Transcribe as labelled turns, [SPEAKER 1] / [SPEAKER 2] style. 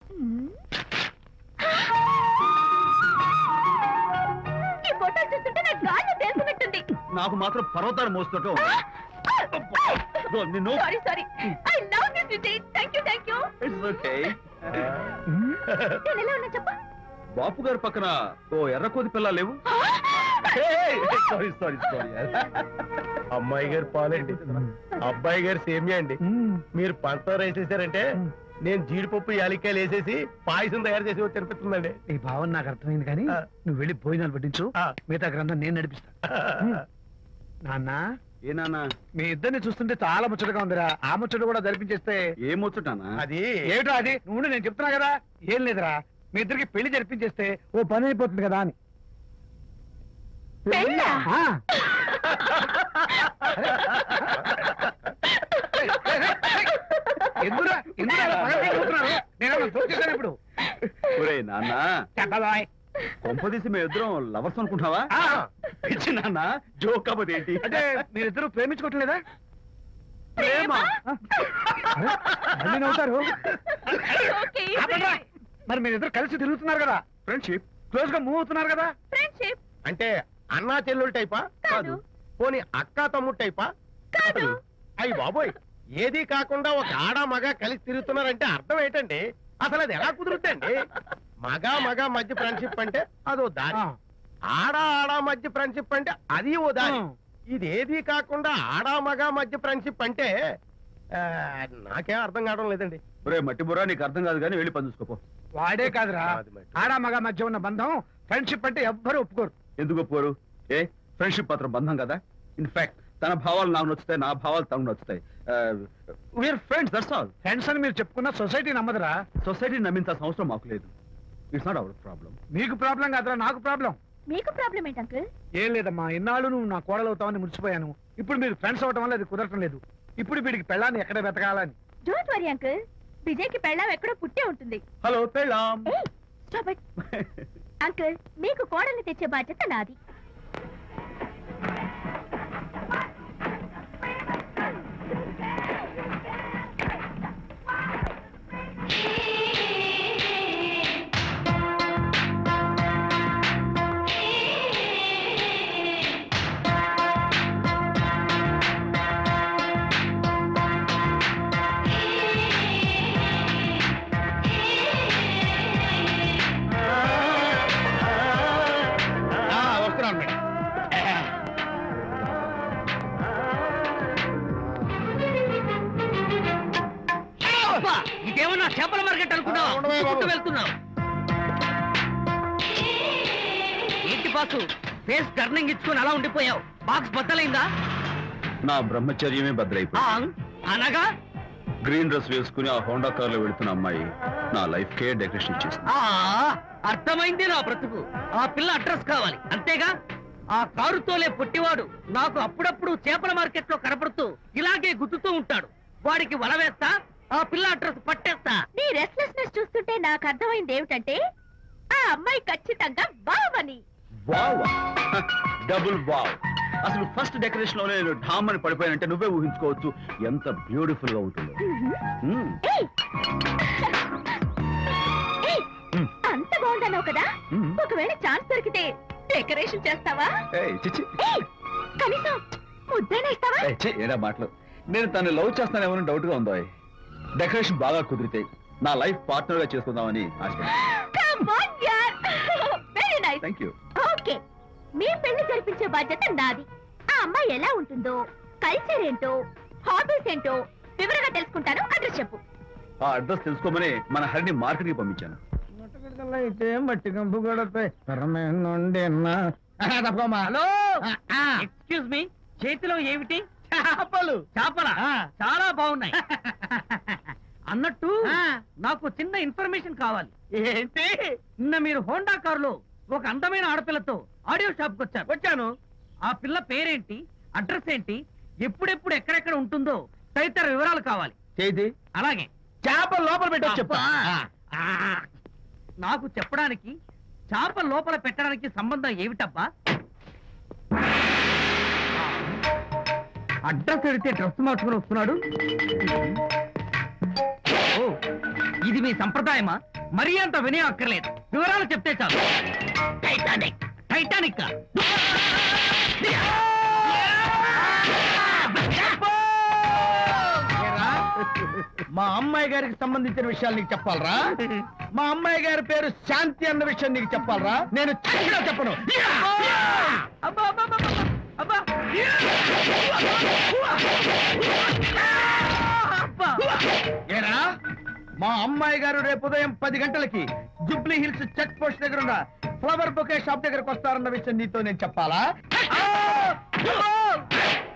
[SPEAKER 1] ఈ ఫోటో చూస్తుంటే నా గాలి తెలుసున్నట్టుంది.
[SPEAKER 2] నాకు మాత్రం పర్వతాలు మోస్తుంటాం. నిన్ను
[SPEAKER 1] sorry sorry. I love this Vijay. Thank you.
[SPEAKER 2] It's okay.
[SPEAKER 1] నేను ఎలా ఉన్నా చెప్పు.
[SPEAKER 2] బాపు గారి పక్కన ఓ ఎర్రకోతి పిల్ల లేవు? Sorry sorry sorry.
[SPEAKER 3] అమ్మాయి గారు పాలండి, అబ్బాయి గారు సేమియా అండి. మీరు పంచదార వేసేసారంటే నేను జీడిపప్పు యాలిక్కాయలు వేసేసి పాయసం తయారు చేసి తినిపిస్తుందండి.
[SPEAKER 4] ఈ భావన నాకు అర్థమైంది కానీ నువ్వు వెళ్ళి భోజనాలు పట్టించు, మిగతా గ్రంథం నేను నడిపిస్తా. నాన్న,
[SPEAKER 2] ఏ నాన్న,
[SPEAKER 4] మీ ఇద్దరిని చూస్తుంటే చాలా ముచ్చటగా ఉందిరా. ఆ ముచ్చట కూడా జరిపించేస్తే.
[SPEAKER 2] ఏ ముచ్చటానా?
[SPEAKER 4] అది ఏమిటో అది నువ్వు నేను చెప్తున్నా కదా. ఏం లేదురా, మీ ఇద్దరికి పెళ్లి జరిపించేస్తే ఓ పని అయిపోతుంది కదా అని.
[SPEAKER 1] పెళ్ళా?
[SPEAKER 4] ఎందురా ఇప్పుడు
[SPEAKER 2] ఒరేయ్ నాన్న,
[SPEAKER 4] చెప్పబాయ్.
[SPEAKER 2] కొంపదీసి మేము ఇద్దరం లవర్స్ అనుకుంటున్నావా? పిచ్చి నాన్న, జోక్ కాబట్టి ఏంటి?
[SPEAKER 4] అంటే మీరిద్దరు ప్రేమించుకోవట్లేదా?
[SPEAKER 2] ప్రేమ?
[SPEAKER 4] మళ్ళీ నవ్వుతారు.
[SPEAKER 1] ఓకే,
[SPEAKER 4] మరి మీరిద్దరు కలిసి తిరుగుతున్నారు కదా,
[SPEAKER 2] ఫ్రెండ్షిప్.
[SPEAKER 4] క్లోజ్ గా మూవ్ అవుతున్నారు కదా.
[SPEAKER 1] ఫ్రెండ్షిప్
[SPEAKER 3] అంటే అన్నా చెల్లెలు టైపా?
[SPEAKER 1] కాదు.
[SPEAKER 3] పోనీ అక్కా తమ్ముడు టైపా?
[SPEAKER 1] కాదు.
[SPEAKER 3] అయ్యి బాబోయ్, ఏది కాకుండా ఒక ఆడ మగ కలిసి తిరుగుతున్నారంటే అర్థం ఏంటండి? అసలు అది ఎలా కుదురుద్దండి? మగ మధ్య ఫ్రెండ్షిప్ అంటే అదో దారి, ఆడ మధ్య ఫ్రెండ్షిప్ అంటే అది ఓ దారి. ఇదేది కాకుండా ఆడ మగ మధ్య ఫ్రెండ్షిప్ అంటే నాకేం అర్థం కావడం లేదండి.
[SPEAKER 2] ఒరే మట్టి బుర్రా, నీకు అర్థం కాదు కానీ వెళ్ళి పని చూసుకోపో.
[SPEAKER 4] వాడే కాదురా, ఆడ మగ మధ్య ఉన్న బంధం ఫ్రెండ్షిప్ అంటే ఎవ్వరు ఒప్పుకోరు.
[SPEAKER 2] ఎందుకు ఒప్పుకోరు? ఏ ఫ్రెండ్షిప్ మాత్రం బంధం కదా. ఇన్ఫాక్ట్ తన భావాలు నాకు నచ్చుతాయి, నా భావాలు తనకు నచ్చుతాయి. We're friends, that's all.
[SPEAKER 4] Friends అని మీరు చెప్పుకున్న సొసైటీ నమ్మదురా.
[SPEAKER 2] సొసైటీ నమ్మింత అవసరం మాకు లేదు. It's not our problem.
[SPEAKER 4] మీకు ప్రాబ్లం కాదురా, నాకు ప్రాబ్లం.
[SPEAKER 1] మీకు ప్రాబ్లం ఏంటి అంకుల్?
[SPEAKER 4] ఏం లేదమ్మా, ఇన్నాళ్ళు నువ్వు నా కోడలు అవుతావని మురిసిపోయాను. ఇప్పుడు మీరు ఫ్రెండ్స్ అవటం వల్ల అది కుదరటం లేదు. ఇప్పుడు వీడికి పెళ్ళాన్ని ఎక్కడ వెతకాలని.
[SPEAKER 1] డోంట్ వరీ అంకుల్, విజయ్ కి పెళ్ళాం ఎక్కడో పుట్టే ఉంటుంది.
[SPEAKER 2] హలో పెళ్ళాం.
[SPEAKER 1] స్టాప్ ఇట్ అంకుల్, మీకు కోడల్ని తెచ్చే బాధ్యత నాది.
[SPEAKER 3] వస్తున్నాను మేడం.
[SPEAKER 5] ఇదేమన్నా చేపల మార్కెట్ అనుకున్నావు? వెళ్తున్నావు ఏంటి బాసు? ఫేస్ టర్నింగ్ ఇచ్చుకుని అలా ఉండిపోయావు. బాక్స్ బద్దలైందా?
[SPEAKER 2] నా బ్రహ్మచర్యమే బద్దలైపోయింది.
[SPEAKER 5] అనగా
[SPEAKER 2] గ్రీన్ డ్రెస్ వేసుకుని ఆ హోండా కార్ లో వెళ్తున్న అమ్మాయి నా లైఫ్ కే డెకరేషన్ ఇచ్చేసింది.
[SPEAKER 5] అర్థమైంది నా బ్రతుకు. ఆ పిల్ల అడ్రస్ కావాలి అంతేగా. ఆ కారుతోలే పొట్టివాడు నాకు అప్పుడప్పుడు చేపల మార్కెట్ లో కనపడుతూ ఇలాగే గుద్దుతూ ఉంటాడు. వాడికి వల వేస్తా, ఆ పిల్ల అడ్రస్ పట్టేస్తా.
[SPEAKER 1] నీ రెస్ట్లెస్నెస్ చూస్తుంటే నాకు అర్థమైంది ఏమిటంటే ఆ అమ్మాయి ఖచ్చితంగా బావని.
[SPEAKER 2] Wow, double wow. అసలు ఫస్ట్ డెకరేషన్ లో నేను ఢామ్ అని పడిపోయానంటే నువ్వే ఊహించుకోవచ్చు ఎంత బ్యూటిఫుల్ గా ఉంటుందో.
[SPEAKER 1] ఏయ్! ఏయ్! అంత బాగుందన్నావు కదా, ఒకవేళ ఛాన్స్ దొరికితే డెకరేషన్ చేస్తావా?
[SPEAKER 2] చిచ్చి,
[SPEAKER 1] ఏయ్! కనీసం ముద్దైనా ఇస్తావా?
[SPEAKER 2] ఏడా మాటలు. నేను తను లవ్ చేస్తానేమో డౌట్ గా ఉందో. డెకరేషన్ బాగా కుదిరితే నా లైఫ్ పార్ట్నర్ గా చేసుకుందామని థ్యాంక్ యూ.
[SPEAKER 1] ఓకే, మీ పెళ్లి జరిపించే బాధ్యత నాది. ఆ అమ్మాయి ఎలా ఉంటుందో, కల్చర్ ఏంటో, హాబీస్ ఏంటో వివరంగా తెలుసుకుంటాను. అడ్రస్ చెప్పు.
[SPEAKER 2] ఆ అడ్రస్ తెలుసుకోమని మన హరిని మార్కెట్ కి పంపించాను.
[SPEAKER 4] అయితే మట్టి కంపు కూడా
[SPEAKER 5] హలో, ఎక్స్క్యూజ్ మీ, చేతిలో ఏమిటి?
[SPEAKER 4] చేపలు.
[SPEAKER 5] చేపల చాలా బాగున్నాయి. అన్నట్టు నాకు చిన్న ఇన్ఫర్మేషన్ కావాలి.
[SPEAKER 4] ఏంటి?
[SPEAKER 5] నిన్న మీరు హోండా కారులో ఒక అందమైన ఆడపిల్లతో ఆడియో షాప్ కు వచ్చాను. ఆ పిల్ల పేరేంటి, అడ్రస్ ఏంటి, ఎప్పుడెప్పుడు ఎక్కడెక్కడ ఉంటుందో తదితర వివరాలు కావాలి.
[SPEAKER 4] చేతి
[SPEAKER 5] అలాగే
[SPEAKER 4] చేపలు లోపల పెట్టి చెప్తా.
[SPEAKER 5] నాకు చెప్పడానికి చేప లోపల పెట్టడానికి సంబంధం ఏమిటబ్బా? అడ్రస్ అడిగితే డ్రెస్ మార్చుకుని వస్తున్నాడు. ఓ, ఇది మీ సంప్రదాయమా? మరీ అంత వినయం అక్కర్లేదు, వివరాలు చెప్తే చాలు. టైటానిక్ టైటానిక్
[SPEAKER 3] ఏరా, మా అమ్మాయి గారికి సంబంధించిన విషయాలు నీకు చెప్పాలరా? మా అమ్మాయి గారి పేరు శాంతి అన్న విషయం నీకు చెప్పాలరా? నేను చచ్చినా చెప్పను.
[SPEAKER 5] అబ్బా, అబ్బా, అబ్బా, అబ్బా, అబ్బా. అబ్బా.
[SPEAKER 3] ఏరా, మా అమ్మాయి గారు రేపు ఉదయం 10 గంటలకి జూబ్లీ హిల్స్ చెక్ పోస్ట్ దగ్గర ఉన్న ఫ్లవర్ బొకే షాప్ దగ్గరకు వస్తారన్న విషయం నీతో నేను చెప్పాలా?
[SPEAKER 5] అబ్బా.